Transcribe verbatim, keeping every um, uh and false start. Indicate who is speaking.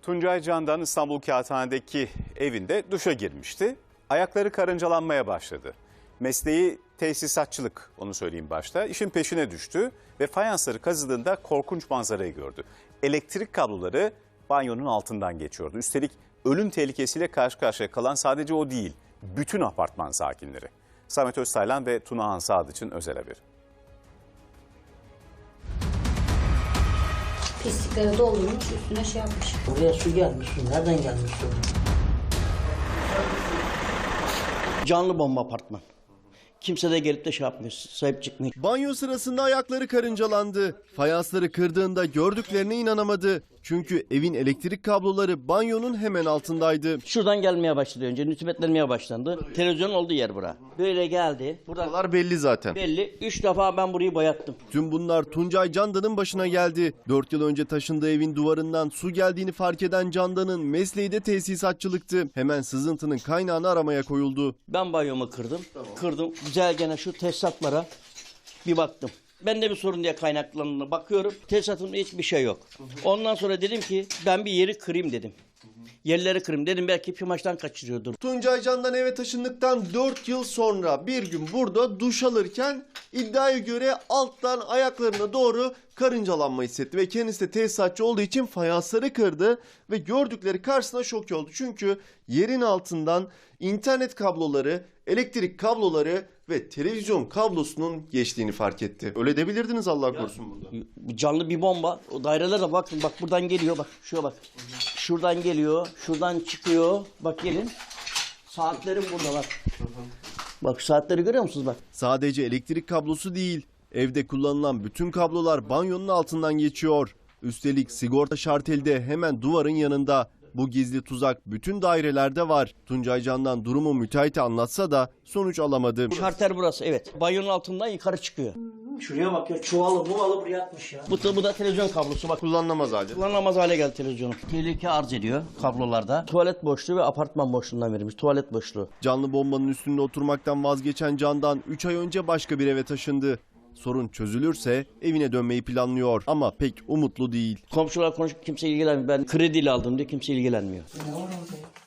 Speaker 1: Tuncay Candan İstanbul Kağıthane'deki evinde duşa girmişti. Ayakları karıncalanmaya başladı. Mesleği tesisatçılık, onu söyleyeyim başta. İşin peşine düştü ve fayansları kazıdığında korkunç manzarayı gördü. Elektrik kabloları banyonun altından geçiyordu. Üstelik ölüm tehlikesiyle karşı karşıya kalan sadece o değil, bütün apartman sakinleri. Samet Öztaylan ve Tunahan Sadıç'ın özel haberi.
Speaker 2: Pislikleri doldurmuş, üstüne şey yapmış.
Speaker 3: Oraya su gelmiş, su nereden gelmiş su? Canlı bomba apartman. Kimse de gelip de şey yapmıyor, sahip çıkmıyor.
Speaker 4: Banyo sırasında ayakları karıncalandı. Fayansları kırdığında gördüklerine inanamadı. Çünkü evin elektrik kabloları banyonun hemen altındaydı.
Speaker 3: Şuradan gelmeye başladı önce, nütübetlenmeye başlandı. Televizyonun olduğu yer bura. Böyle geldi. Burada
Speaker 4: Buralar belli zaten.
Speaker 3: belli. Üç defa ben burayı boyattım.
Speaker 4: Tüm bunlar Tuncay Candan'ın başına geldi. Dört yıl önce taşındığı evin duvarından su geldiğini fark eden Candan'ın mesleği de tesisatçılıktı. Hemen sızıntının kaynağını aramaya koyuldu.
Speaker 3: Ben banyomu kırdım. Kırdım. Güzel gene şu tesisatlara bir baktım. Ben de bir sorun diye kaynaklandığına bakıyorum. Tesisatımda hiçbir şey yok. Ondan sonra dedim ki ben bir yeri kırayım dedim. Yerleri kırayım dedim, belki pimaçtan kaçırıyordur.
Speaker 4: Tuncay Candan eve taşındıktan dört yıl sonra bir gün burada duş alırken iddiaya göre alttan ayaklarına doğru karıncalanma hissetti ve kendisi de tesisatçı olduğu için fayansları kırdı ve gördükleri karşısına şok oldu. Çünkü yerin altından internet kabloları, elektrik kabloları ve televizyon kablosunun geçtiğini fark etti. Öyle debilirdiniz Allah korusun burada.
Speaker 3: Canlı bir bomba. O dairelere bakın, bak buradan geliyor, bak şuraya bak. Şuradan geliyor, şuradan çıkıyor. Bak gelin. Saatlerim burada bak. Bak saatleri görüyor musunuz bak.
Speaker 4: Sadece elektrik kablosu değil, evde kullanılan bütün kablolar banyonun altından geçiyor. Üstelik sigorta şarteli de hemen duvarın yanında. Bu gizli tuzak bütün dairelerde var. Tuncay Candan durumu müteahhite anlatsa da sonuç alamadı.
Speaker 3: Şarter burası, evet. Banyonun altından yukarı çıkıyor. Şuraya bak ya, çuvalı muvalı buraya atmış ya. Bu da, bu da televizyon kablosu bak.
Speaker 4: Kullanılamaz halde.
Speaker 3: Kullanılamaz hale geldi televizyonum. Tehlike arz ediyor kablolarda. Tuvalet boşluğu ve apartman boşluğundan verilmiş. Tuvalet boşluğu.
Speaker 4: Canlı bombanın üstünde oturmaktan vazgeçen Candan üç ay önce başka bir eve taşındı. Sorun çözülürse evine dönmeyi planlıyor ama pek umutlu değil.
Speaker 3: Komşular konuşup kimse ilgilenmiyor. Ben krediyle aldım diye kimse ilgilenmiyor.